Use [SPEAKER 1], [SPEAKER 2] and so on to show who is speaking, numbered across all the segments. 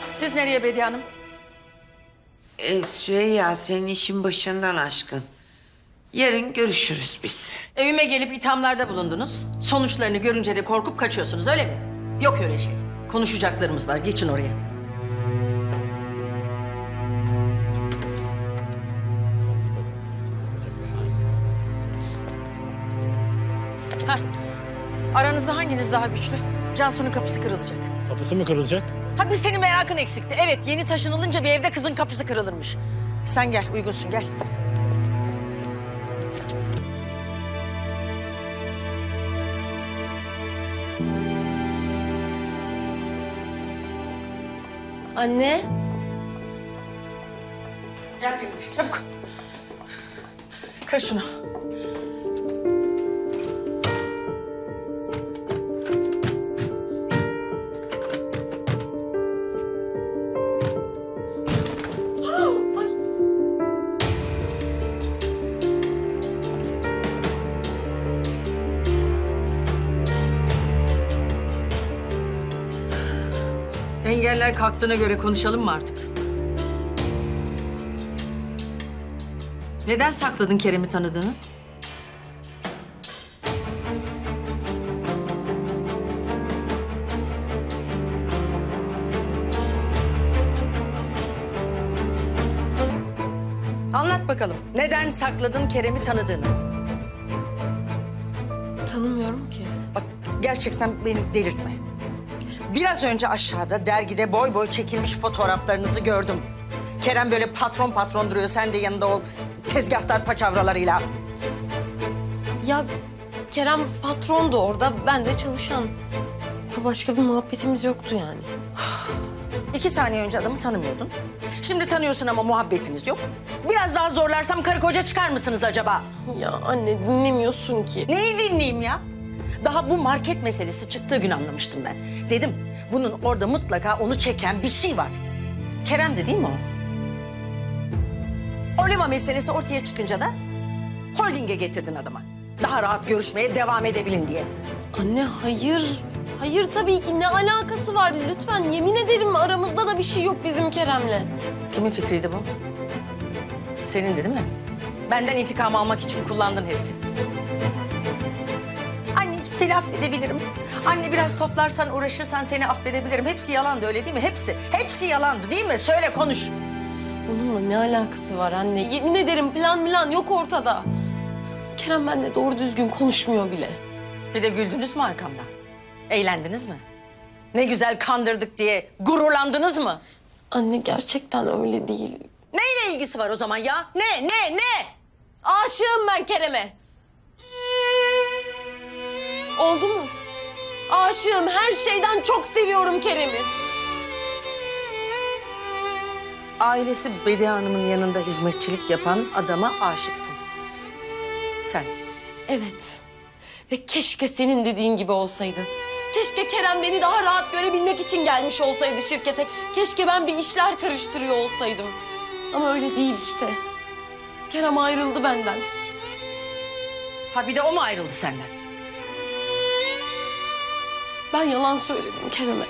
[SPEAKER 1] Siz nereye Bediye Hanım?
[SPEAKER 2] Süreyya senin işin başından aşkın. Yarın görüşürüz biz.
[SPEAKER 1] Evime gelip ithamlarda bulundunuz. Sonuçlarını görünce de korkup kaçıyorsunuz öyle mi? Yok öyle şey. Konuşacaklarımız var. Geçin oraya. Heh. Aranızda hanginiz daha güçlü? Cansu'nun kapısı kırılacak.
[SPEAKER 3] Kapısı mı kırılacak?
[SPEAKER 1] Ha biz senin merakın eksikti. Evet yeni taşınılınca bir evde kızın kapısı kırılırmış. Sen gel uygunsun gel.
[SPEAKER 4] Anne.
[SPEAKER 1] Gel benimle çabuk. Kır şunu. Engeller kalktığına göre konuşalım mı artık? Neden sakladın Kerem'i tanıdığını? Anlat bakalım. Neden sakladın Kerem'i tanıdığını?
[SPEAKER 4] Tanımıyorum ki.
[SPEAKER 1] Bak gerçekten beni delirtme. Biraz önce aşağıda dergide boy boy çekilmiş fotoğraflarınızı gördüm. Kerem böyle patron patron duruyor. Sen de yanında o tezgahtar paçavralarıyla.
[SPEAKER 4] Ya Kerem patrondu orada, ben de çalışan. Başka bir muhabbetimiz yoktu yani.
[SPEAKER 1] 2 saniye önce adamı tanımıyordun. Şimdi tanıyorsun ama muhabbetiniz yok. Biraz daha zorlarsam karı koca çıkar mısınız acaba?
[SPEAKER 4] Ya anne dinlemiyorsun ki.
[SPEAKER 1] Neyi dinleyeyim ya? Daha bu market meselesi çıktığı gün anlamıştım ben. Dedim bunun orada mutlaka onu çeken bir şey var. Kerem de değil mi o? Oliva meselesi ortaya çıkınca da holdinge getirdin adamı. Daha rahat görüşmeye devam edebilin diye.
[SPEAKER 4] Anne hayır. Hayır tabii ki, ne alakası var? Lütfen yemin ederim aramızda da bir şey yok bizim Kerem'le.
[SPEAKER 1] Kimin fikriydi bu? Senin de değil mi? Benden intikam almak için kullandın herifi. Anneciğim seni affedebilirim. Anne biraz toplarsan, uğraşırsan seni affedebilirim. Hepsi yalandı öyle değil mi? Hepsi. Hepsi yalandı değil mi? Söyle konuş.
[SPEAKER 4] Onunla ne alakası var anne? Yemin ederim plan yok ortada. Kerem benimle doğru düzgün konuşmuyor bile.
[SPEAKER 1] Bir de güldünüz mü arkamdan? Eğlendiniz mi? Ne güzel kandırdık diye gururlandınız mı?
[SPEAKER 4] Anne gerçekten öyle değil.
[SPEAKER 1] Neyle ilgisi var o zaman ya? Ne?
[SPEAKER 4] Aşığım ben Kerem'e. Oldu mu? Aşığım, her şeyden çok seviyorum Kerem'i.
[SPEAKER 1] Ailesi Bediye Hanım'ın yanında hizmetçilik yapan adama aşıksın. Sen.
[SPEAKER 4] Evet. Ve keşke senin dediğin gibi olsaydı. Keşke Kerem beni daha rahat görebilmek için gelmiş olsaydı şirkete. Keşke ben bir işler karıştırıyor olsaydım. Ama öyle değil işte. Kerem ayrıldı benden.
[SPEAKER 1] Ha bir de o mu ayrıldı senden?
[SPEAKER 4] Ben yalan söyledim Kerem'e.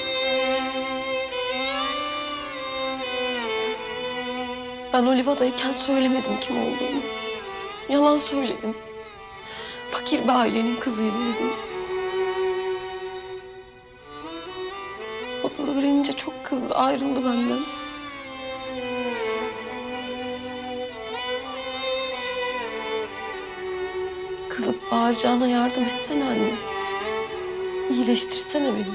[SPEAKER 4] Ben Oliva'dayken söylemedim kim olduğumu. Yalan söyledim. Fakir bir ailenin kızıyım dedim. O da öğrenince çok kızdı, ayrıldı benden. Kızıp bağıracağına yardım etsene anne. İyileştirsene beni.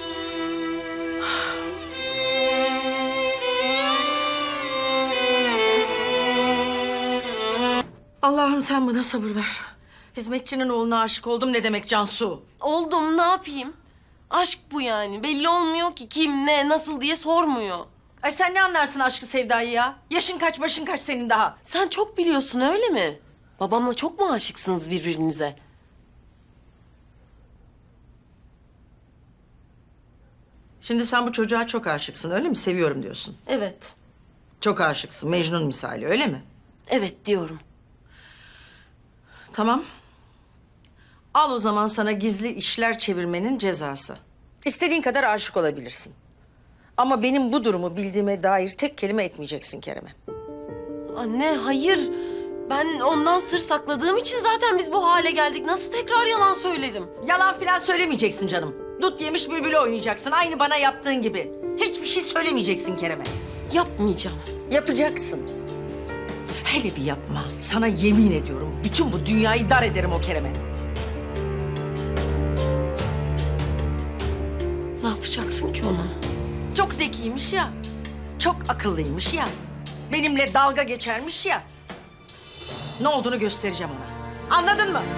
[SPEAKER 1] Allah'ım sen bana sabır ver. Hizmetçinin oğluna aşık oldum ne demek Cansu?
[SPEAKER 4] Oldum, ne yapayım? Aşk bu yani. Belli olmuyor ki kim, ne, nasıl diye sormuyor.
[SPEAKER 1] Ay sen ne anlarsın aşkı sevdayı ya? Yaşın kaç başın kaç senin daha?
[SPEAKER 4] Sen çok biliyorsun öyle mi? Babamla çok mu aşıksınız birbirinize?
[SPEAKER 1] Şimdi sen bu çocuğa çok aşıksın öyle mi? Seviyorum diyorsun.
[SPEAKER 4] Evet.
[SPEAKER 1] Çok aşıksın Mecnun misali öyle mi?
[SPEAKER 4] Evet diyorum.
[SPEAKER 1] Tamam. Al o zaman sana gizli işler çevirmenin cezası. İstediğin kadar aşık olabilirsin. Ama benim bu durumu bildiğime dair tek kelime etmeyeceksin Kerem'e.
[SPEAKER 4] Anne hayır. Ben ondan sır sakladığım için zaten biz bu hale geldik. Nasıl tekrar yalan söylerim?
[SPEAKER 1] Yalan falan söylemeyeceksin canım. Dut yemiş bülbülü oynayacaksın. Aynı bana yaptığın gibi. Hiçbir şey söylemeyeceksin Kerem'e.
[SPEAKER 4] Yapmayacağım.
[SPEAKER 1] Yapacaksın. Hele bir yapma. Sana yemin ediyorum bütün bu dünyayı dar ederim o Kerem'e.
[SPEAKER 4] Ne yapacaksın ki ona?
[SPEAKER 1] Çok zekiymiş ya. Çok akıllıymış ya. Benimle dalga geçermiş ya. Ne olduğunu göstereceğim ona. Anladın mı?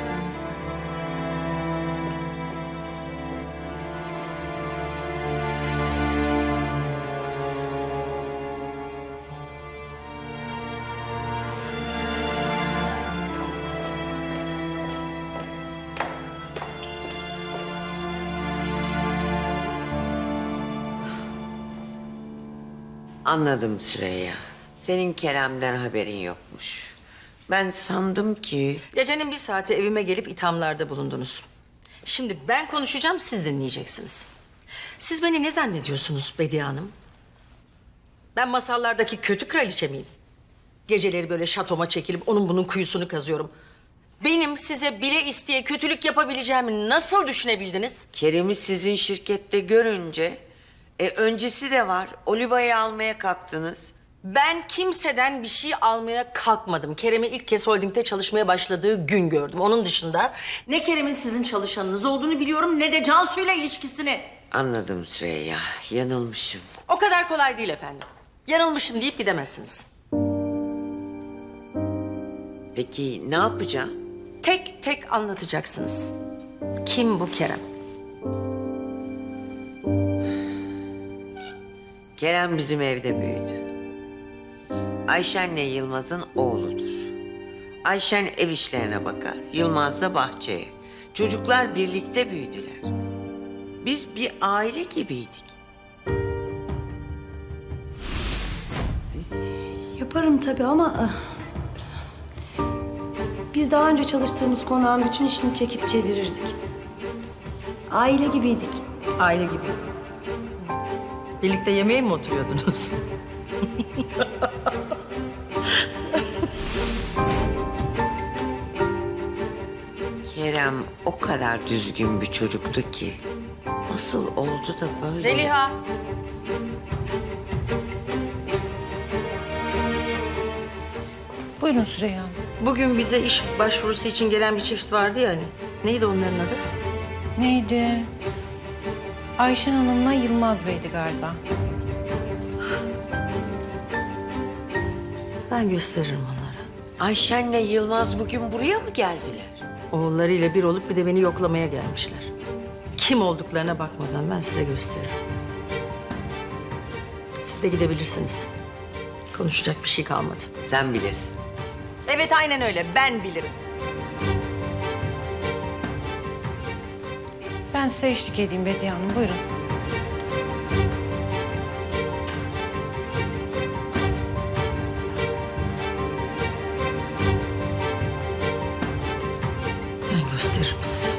[SPEAKER 2] Anladım Süreyya. Senin Kerem'den haberin yokmuş. Ben sandım ki...
[SPEAKER 1] Gecenin bir saati evime gelip ithamlarda bulundunuz. Şimdi ben konuşacağım, siz dinleyeceksiniz. Siz beni ne zannediyorsunuz Bediye Hanım? Ben masallardaki kötü kraliçe miyim? Geceleri böyle şatoma çekilip onun bunun kuyusunu kazıyorum. Benim size bile isteye kötülük yapabileceğimi nasıl düşünebildiniz?
[SPEAKER 2] Kerem'i sizin şirkette görünce... öncesi de var. Oliva'yı almaya kalktınız.
[SPEAKER 1] Ben kimseden bir şey almaya kalkmadım. Kerem'i ilk kez holdingde çalışmaya başladığı gün gördüm. Onun dışında ne Kerem'in sizin çalışanınız olduğunu biliyorum ne de Cansu'yla ilişkisini.
[SPEAKER 2] Anladım Süreyya. Yanılmışım.
[SPEAKER 1] O kadar kolay değil efendim. Yanılmışım deyip gidemezsiniz.
[SPEAKER 2] Peki ne yapacağım?
[SPEAKER 1] Tek tek anlatacaksınız. Kim bu Kerem?
[SPEAKER 2] Kerem bizim evde büyüdü. Ayşen'le Yılmaz'ın oğludur. Ayşen ev işlerine bakar, Yılmaz da bahçeye. Çocuklar birlikte büyüdüler. Biz bir aile gibiydik.
[SPEAKER 3] Yaparım tabii ama... Biz daha önce çalıştığımız konağın bütün işini çekip çevirirdik. Aile gibiydik.
[SPEAKER 1] Aile gibiydiniz. Birlikte yemeğe mi oturuyordunuz?
[SPEAKER 2] Kerem o kadar düzgün bir çocuktu ki. Nasıl oldu da böyle?
[SPEAKER 1] Zeliha.
[SPEAKER 5] Buyurun Süreyya Hanım.
[SPEAKER 1] Bugün bize iş başvurusu için gelen bir çift vardı ya hani. Neydi onların adı?
[SPEAKER 5] Neydi? Ayşen Hanım'la Yılmaz Bey'di galiba.
[SPEAKER 1] Ben gösteririm onlara.
[SPEAKER 2] Ayşen'le Yılmaz bugün buraya mı geldiler?
[SPEAKER 1] Oğullarıyla bir olup bir de beni yoklamaya gelmişler. Kim olduklarına bakmadan ben size gösteririm. Siz de gidebilirsiniz. Konuşacak bir şey kalmadı.
[SPEAKER 2] Sen bilirsin.
[SPEAKER 1] Evet aynen öyle. Ben bilirim.
[SPEAKER 5] Ben size eşlik edeyim Bediye Hanım. Buyurun.
[SPEAKER 1] Ben gösteririm size.